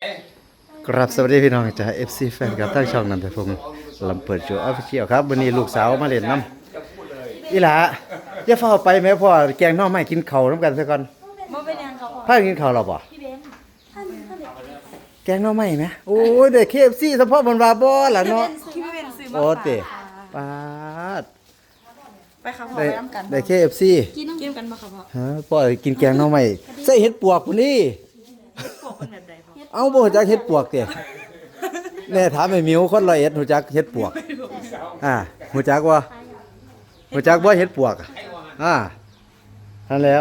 กราบสวัสดีพี่น้องจาก FC แฟนกับทั้งช่องนันทพงศ์ลำเปิดโจออฟฟิเชียลครับวันนี้ลูกสาวมาเล่นน้ำอีหล่าอย่าเฝ้าไปแม่พ่อแกงน้องไม่กินข้าวน้ำกันซะก่อนบ่เป็นหยังครับพ่อกินข้าวหรอบ่พี่เบนท่านแกงน้องไม่ไหมโอ้ยได้ KFC เฉพาะบนวาบ่ล่ะเนาะพี่เบนซื้อมาโอ้ฝากเตะปาดไปครับพ่อได้ไปน้ำกันได้ KFC กินกันบ่ครับพ่อฮะพ่อกินแกงน้องไม่ใส่เห็ดปวกพุ่นนี่พวกเป็นแบบใดพ่อเอาบ่รู้จักเห็ดปวกเตะแน่ถามไอ้หมิวคน100รู้จักเห็ดปวกรู้จักบ่รู้จักบ่เห็ดปวกนั่นแล้ว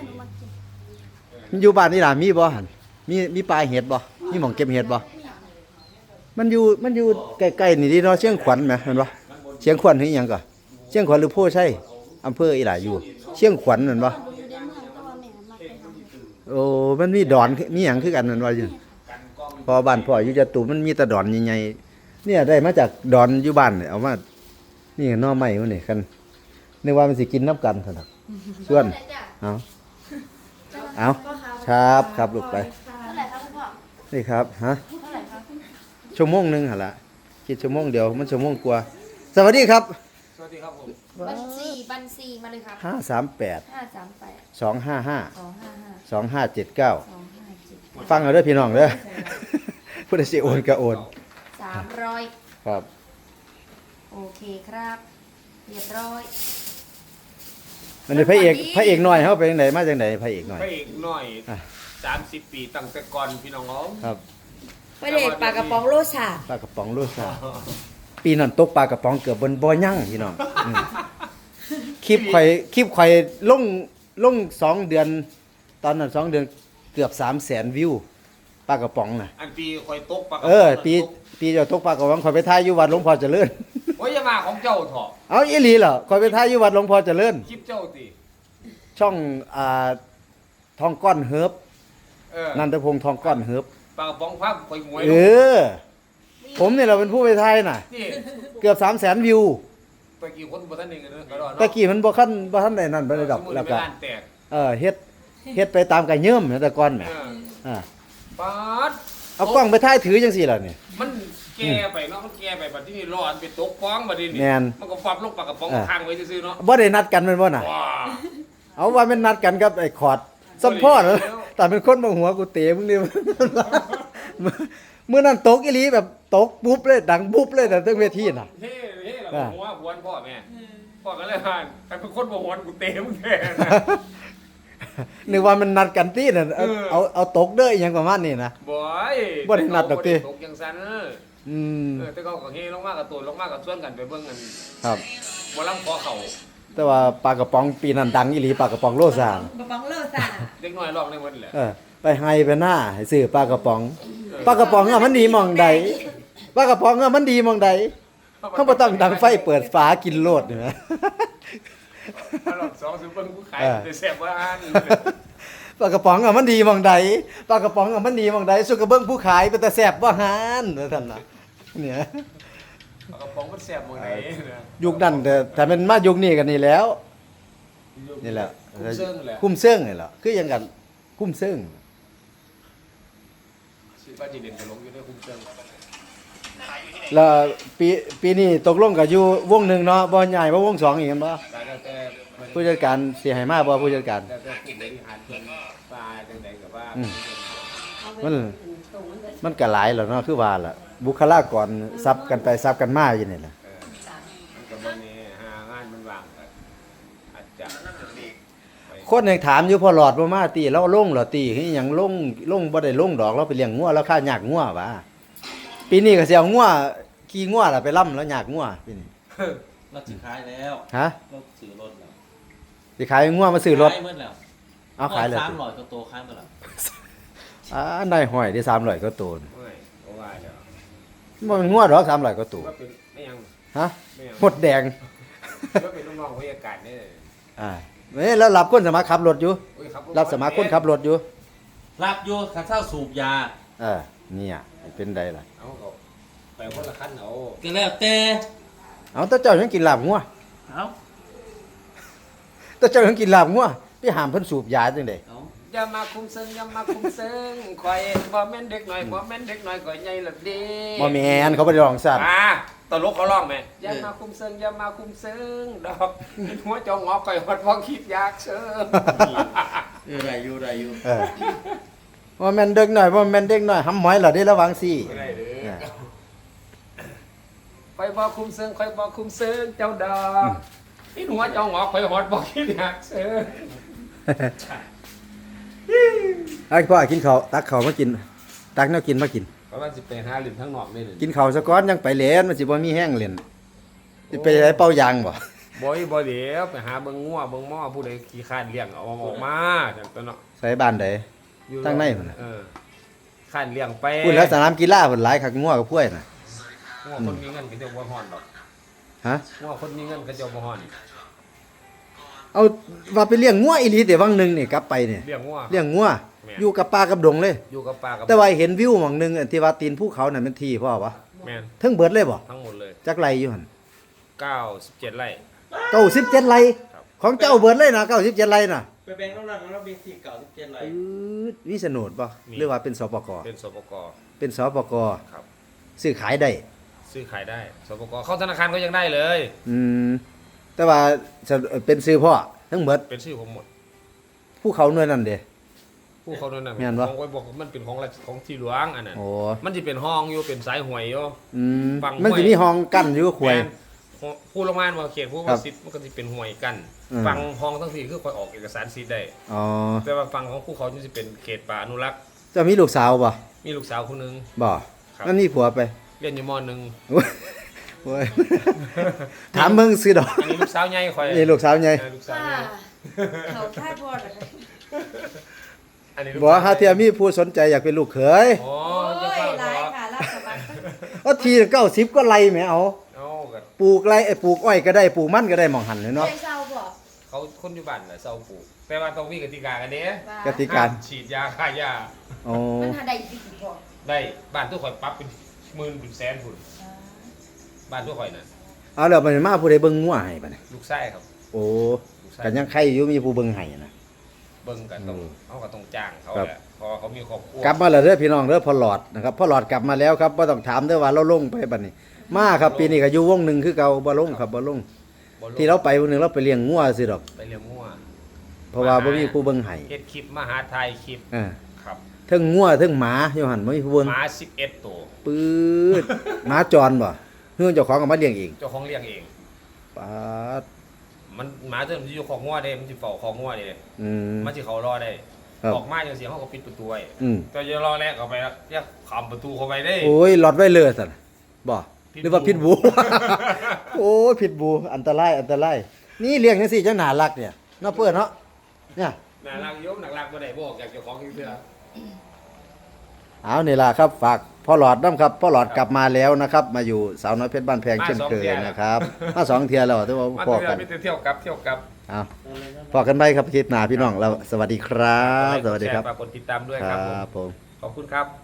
อยู่บ้านนี่ล่ะมีบ่หั่นมีปลาเห็ดบ่มีหม่องเก็บเห็ดบ่มันอยู่ใกล้ๆนี่ดิเนาะเชียงขวัญแหมแม่นบ่เชียงขวัญคืออีหยังก่อเชียงขวัญหรือโพชัยอำเภออีหล่าอยู่เชียงขวัญแม่นบ่โอ้มันมีดอนมีหยังคือกันแม่นว่าอยู่พอบ้านพ่ออยู่จตุมันมีแต่ดอนใหญ่ๆเนี่ยได้มาจากดอนอยู่บ้านเนี่ยเอามานี่หน่อไม้มันนี่กันนึกว่ามันสิกินน้ำกันซั่นน่ะส่วนเอาครับลูกไปนี่ครับฮะชั่วโมงนึงหั่นล่ะคิดชั่วโมงเดียวมันชั่วโมงกว่าสวัสดีครับสวัสดีครับผมบัญชีมาเลยครับ 538 255 255 2579ฟังเอาเด้อพี่น้องเด้อผู้ใดสิโอนก็โอน 300 ครับโอเคครับเรียบร้อยอันนี้พระเอกน้อยเฮาไปจังไดมาจังไดพระเอกน้อยพระเอกน้อย30 ปีตั้งแต่ก่อนพี่น้องเขาครับประเด็กปลากระป๋องโลชาปลากระป๋องโลซาปีนั้นตกปลากระป๋องเกือบบนบ่ยั่งพี่น้องคลิปข่อยลง2 เดือนตอนนั้น2 เดือนเกือบ 300,000 วิวปลากระป๋องน่ะอันปีคอยตกปลากระปีเจ้าตกปลากระป๋องข่อยไปถ่ายอยู่วัดหลวงพ่อเจริญโอ้ยอย่ามาของเจ้าเถอะเอาอีหลีเหรอข่อยไปถ่ายอยู่วัดหลวงพ่อเจริญคลิปเจ้าติช่องทองก้อนเฮิบนันทพงศ์ทองก้อนเฮิบปลากระป๋องภาพคอยหวยผมเนี่ยเราเป็นผู้ไปถ่ายน่ะนี่เกือบ 300,000 วิวตะกี้คนบ่ทันนึงกันเด้อก็รอเนาะตะกี้มันบ่ทันได้นั่นบ่ได้ดอกแล้วก็ร้านแตกเฮ็ดไปตามกะเยิ่มแต่ก่อนแหมป๊าดเอากล้องไปถ่ายถือจังซี่ล่ะนี่มันแก่ไปเนาะมันแก่ไปบัดนี้ร้อนไปตกฟ้องบัดนี้แม่นมันก็ฟับลงปลากระป๋องค้างไว้ซื่อๆเนาะบ่ได้นัดกันแม่นบ่น่ะว้าเอาว่าแม่นนัดกันกับไอ้ขอดสัมพ่อเหรอแต่เป็นคนบ่หัวกูเตะมึงนี่ มื้อนั้นตกอีหลีแบบตกปุ๊บเลยดังปุ๊บเลยแต่เรื่องเวทีน่ะเฮ้แล้วหัวหวนพ่อแม่พ่อก็เลยว่าแต่เป็นคนบ่หวนกูเตะมึงแท้นะนึกว่ามันนัดกันตีน่ะเอาตกเด้ออีหยังประมาณนี้นะ บ่ได้นัดดอกติตกจังซั่นแต่ก็เฮลงมากับตูนลงมากับชวนกันไปเบิ่งกันครับบ่ลำขอเข้าแต่ว่าปลากระป๋องปีนั้นดังอีหลีปลากระป๋องโลซานกระป๋องโลชาเด็กน้อยร้องได้หมดแหละไปให้ไปหน้าให้ซื้อปลากระป๋องปลากระป๋องมันดีหม่องใดปลากระป๋องมันดีหม่องใดเฮาบ่ต้องดังไฟเปิดฝากินโลดนี่นะรอบ2ซื้อเบิ่งกูขายได้แซ่บว่าอันปลากระป๋องมันดีหม่องใดปลากระป๋องมันดีหม่องใดสุกระเบิ่งผู้ขายเป็นตาแซ่บบ่หานว่าซั่นน่ะเนี่ยปลากระป๋องมันแซ่บหม่องไหนนะยุคนั้นแต่มันมายุคนี้กันนี่แล้วนี่แหละคุ้มเซิงแหละคุ้มเซิงนี่แหละคือหยังกันคุ้มเซิงสิว่าสิเด่นก็ลงอยู่ในคุ้มเซิงแล้วปีนี้ตกลงกับอยู่วงหนึ่งเนาะบ่ใหญ่บ่วงสองอีกกันบ่แต่มันผู้จัดการสิให้มาบ่ผู้จัดการแต่ผู้บริหารเพิ่นปลาจังได๋ก็ว่ามันก็หลายแล้วเนาะคือว่าล่ะบุคลากรซับกันไปซับกันมาอยู่นี่แหละมันก็บ่แน่หางานมันว่างก็อาจจะคนยังถามอยู่พอหลอดบ่มาติเราลงเหรอติคือหยังลงบ่ได้ลงดอกเราไปเลี้ยงงัวแล้วค่ายากงัวว่าปีนี้ก็สิเอางัวขี่งัวล่ะไปล่ำแล้วยากงัวปีนี้เราสิขายแล้วฮะเราซื้อรถแล้วสิขายงัวมาซื้อรถขายหมดแล้วเอาขายเลย 300ก็โตขายหมดแล้วได้ห้อยได้300ก็โตนเอ้ยบ่ว่าแล้วบ่งัวดอก300ก็โตว่าเป็นไม่ยังฮะไม่ยังหมดแดงว่าเป็นลูกน้องผู้จัดการนี่แล้วรับคนสมัครขับรถอยู่โอ้ยถรับสมัครคนขับรถอยู่รับอยู่ข้าเจ้าสูบยาเนี่ยเป็นไดล่ะเอาก็ไปคนละคันเอาก็แล้วแต่เอาแต่เจ้ายังกินลาบงัวเอาแต่เจ้ายังกินลาบงัวไปห้ามเพิ่นสูบยาจังได๋เอาอย่ามาคุมเซิงอย่ามาคุมเซิงข่อยบ่แม่นเด็กหน่อยบ่แม่นเด็กหน่อยข่อยใหญ่ละเด้บ่แม่นเขาบ่ได้ร้องสัตว์ตลกเขาร้องไหมอย่ามาคุมเซิงอย่ามาคุมเซิงดอกหัวจองงอข่อยฮอดพ่อคิดอยากเชิงได้อยู่ได้อยู่เออบ่แม่นเด็กน้อยบ่แม่นเด็กน้อยหำหมอยล่ะเด้ระวังสิไม่ได้เด้อข่อยบ่คุมเซิงข่อยบ่คุมเซิงเจ้าดอกนี่หัวจองงอข่อยฮอดพ่อคิดอยากเชิงไอ้พ่อกินข้าวตักข้าวมากิน ตักแนวกินมากินเพราะว่าสิไปหาหลินทั้งนอกนี่เลยกินข้าวซะก่อนยังไปเล่นมันสิบ่มีแห้งเล่นสิไปใช้เป่ายางบ่บ่เดี๋ยวไปหาเบิ่งงัวเบิ่งหม้อผู้ใดขี้คร้านเลี้ยงเอาออกมาจังตัวเนาะใส่บ้านใดอยู่ทางในพุ่นน่ะคร้านเลี้ยงไปพูดแล้วสนามกีฬาพุ่นหลายคักงัวกับพวยน่ะงัวคนมีเงินก็จะบ่ฮ้อนดอกฮะงัวคนมีเงินก็จะบ่ฮ้อนเอาว่าไปเลี้ยงงัวอีหลีแต่วังหนึงนี่กลับไปนี่เลี้ยงงัวเลี้ยงงัวแม่นอยู่กับป่ากับดงเลยอยู่กับปลากับแต่ว่าเห็นวิวหม่องหนึงอันที่ว่าตีนภูเขาน่ะมันที่พ่อวะแม่นเทั้งเบิดเลยบ่ทั้งหมดเลยจักไรอยู่หั่น 97ไร่ 97ไรครับของเจ้าเบิดเลยนะ97ไรน่ะไปแบ่งน้ำหนักแล้วมีที่เก่า17ไรมีโฉนดบ่หรือว่าเป็นสปกเป็นสปกเป็นสปกครับซื้อขายได้ซื้อขายได้สปกเข้าธนาคารก็ยังได้เลยอืมแต่ว่าจะเป็นซื้อพ่อทั้งหมดเป็นชื่อผมหมดภูเขาหน่วยนั่นเด้ผู้เขานั่นน่ะแม่นบ่ของไว้บอกว่ามันเป็นของราชของที่หลวงอันนั้นโอ้มันสิเป็นห้องอยู่เป็นสายหวยอยู่อืมฝั่งมันสิห้วยมีห้องกั้นอยู่กับขวยแม่นผู้ละมานว่าเขตผู้ครัว่าบสิทธิ์มันก็สิเป็นหวยกันอืมฝั่งห้องทั้งสี่คือคอยออกเอกสารสิทธิ์ได้อ๋อแต่ว่าฝั่งของผู้เขาจะเป็นเขตป่าอนุรักษ์เจะมีลูกสาวบ่มีลูกสาวคนหนึงบ่ครับนั่นนี่ผัวไปเรียนอยู่มหนึ่งโอ้ย ถามมึงซื้อดอกอันนี้ลูกสาวใหญ่คอยนี่ลูกสาวไงลูกสาวค่ะใหญ่เขาค่ายบอดเหรอคะอันนี้ลูบ่สวหาเทียมีผู้สนใจอยากเป็นลูกเขยโอ้โอ้ยยจะหเข้าลายค่ะรับสมัครเอาที90ก็ไล่แหมเอาเอากันปลูกไรปลูกอ้อยก็ได้ปลูกมันก็ได้หม่องหันเลยเนาะใจเศร้าบ่เขาคนอยู่บ้านน่ะเศร้าปลูกแต่ว่าต้องมีกติกากันเด้ว่ากติการห้มฉีดยาฆ่าหญ้าอ๋อมันหาได้ดีบ่ได้บ้านทุกคนปรั๊บเป็นหมื่นเป็นแสนพุ่นบ้านทุกคนน่ะเอาแล้วมันมาผู้ใดเบิ่งงัวให้บัดนี้ลูกไส้ครับโอ้ลูกไส้ก็ยังใครอยู่มีผู้เบิ่งให้นะเบิ่งกันต้องอืมเขาก็ต้องจ้างเขาครับแหละเพอเขามีครอบครัวกลับมาแล้วเด้อพี่น้องเด้อพ่อหลอดนะครับพ่อหลอดกลับมาแล้วครับบ่ต้องถามเด้อว่าเราลงไปบัดนี้ มาครับปีนี้ก็อยู่วงหนึงคือเก่าบ่ลงครับบ่ลงบ่รู้ที่เราไปวันหนึงเราไปเลี้ยงงัวสิดอกไปเลี้ยงงัวเพราะว่าบ่มีผู้เบิ่งให้เฮ็ดคลิปมหาไทยคลิปอ่าครับเทั้งงัวเทั้งหมาอยู่หั่นบ่มีผู้เบิ่งหมา11ตัวปื๊ดหมาจรบ่เฮือนเจ้าของก็มาเลี้ยงเองเจ้าของเลี้ยงเองปาดมันหมาตัวมันสิอยู่ของงัวเด้มันสิเฝ้าของงัวเด้อืมมันสิเขารอได้ครับออกมาจังซี่เฮาก็ปิดประตูไว้อืมแต่อย่ารอแลกเข้าไปแล้วอย่าข้ามประตูเข้าไปเด้โอ้ยหลอดไว้เลยสั่นบ่พิษหรือว่าบูพิษบู โอ้ยพิษบูอันตรายอันตรายนี่เลี้ยงจังซี่จังน่ารักเนี่ยเนาะเพิ่นเนาะเนี่ยน่ารักอยมน่ารักบ่ได้บ่ออกจากเจ้าของเทื่อเอานี่ล่ะครับฝากพ่อหลอดน้ำครับพ่อหลอดกลับมาแล้วนะครับ มาอยู่สาวน้อยเพชรบ้านแพงเช่นเคยนะครับมาสองเที่ยแล้วที่ว่ามันพอเทื่กัอน มีแต่เที่ยวกลับเที่ยวกลับเอาพอกันไปครับคลิปหน้าพี่น้องเราสวัสดีครับ สวัสดีครับฝากกดติดตามด้วยคครัรับผมบผมขอบคุณครับ